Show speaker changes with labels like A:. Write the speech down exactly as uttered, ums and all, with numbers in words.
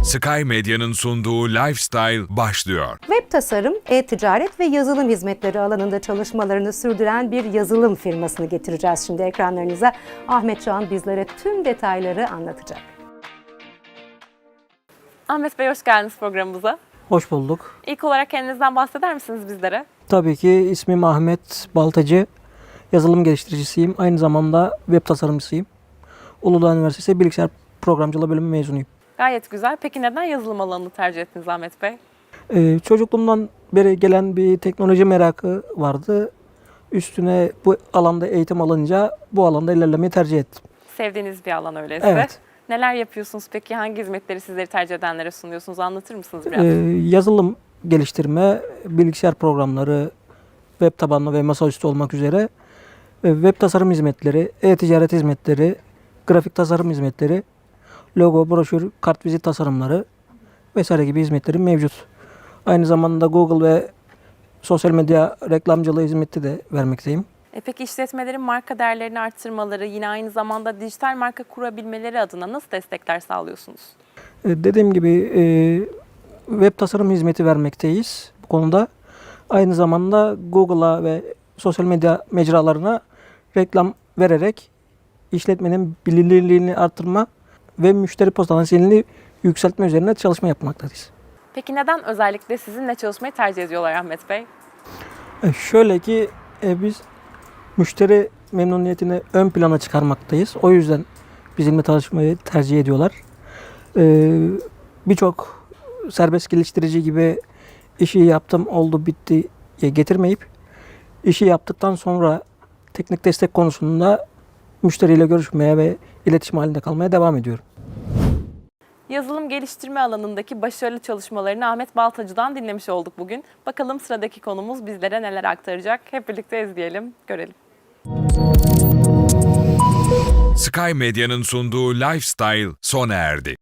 A: Sky Medya'nın sunduğu Lifestyle başlıyor.
B: Web tasarım, e-ticaret ve yazılım hizmetleri alanında çalışmalarını sürdüren bir yazılım firmasını getireceğiz şimdi ekranlarınıza. Ahmet Can bizlere tüm detayları anlatacak.
C: Ahmet Bey, hoş geldiniz programımıza.
D: Hoş bulduk.
C: İlk olarak kendinizden bahseder misiniz bizlere?
D: Tabii ki ismim Ahmet Baltacı. Yazılım geliştiricisiyim. Aynı zamanda web tasarımcısıyım. Uludağ Üniversitesi Bilgisayar Programcılığı bölümü mezunuyum.
C: Gayet güzel. Peki neden yazılım alanını tercih ettiniz Ahmet Bey?
D: Ee, çocukluğumdan beri gelen bir teknoloji merakı vardı. Üstüne bu alanda eğitim alınca bu alanda ilerlemeyi tercih ettim.
C: Sevdiğiniz bir alan öyleyse.
D: Evet.
C: Neler yapıyorsunuz peki? Hangi hizmetleri sizleri tercih edenlere sunuyorsunuz? Anlatır mısınız biraz?
D: Ee, yazılım geliştirme, bilgisayar programları, web tabanlı ve masaüstü olmak üzere e, web tasarım hizmetleri, e-ticaret hizmetleri, grafik tasarım hizmetleri, logo, broşür, kartvizit tasarımları vesaire gibi hizmetlerim mevcut. Aynı zamanda Google ve sosyal medya reklamcılığı hizmeti de vermekteyim.
C: E peki işletmelerin marka değerlerini arttırmaları, yine aynı zamanda dijital marka kurabilmeleri adına nasıl destekler sağlıyorsunuz?
D: E, Dediğim gibi e, web tasarım hizmeti vermekteyiz bu konuda. Aynı zamanda Google'a ve sosyal medya mecralarına reklam vererek işletmenin bilinirliğini arttırma ve müşteri potansiyelini yükseltme üzerine çalışma yapmaktayız.
C: Peki neden özellikle sizinle çalışmayı tercih ediyorlar Ahmet Bey?
D: E, Şöyle ki e, biz müşteri memnuniyetini ön plana çıkarmaktayız. O yüzden bizimle çalışmayı tercih ediyorlar. E, Birçok serbest geliştirici gibi işi yaptım oldu bitti getirmeyip işi yaptıktan sonra teknik destek konusunda müşteriyle görüşmeye ve iletişim halinde kalmaya devam ediyorum.
C: Yazılım geliştirme alanındaki başarılı çalışmalarını Ahmet Baltacı'dan dinlemiş olduk bugün. Bakalım sıradaki konumuz bizlere neler aktaracak? Hep birlikte izleyelim, görelim.
A: Sky Medya'nın sunduğu Lifestyle sona erdi.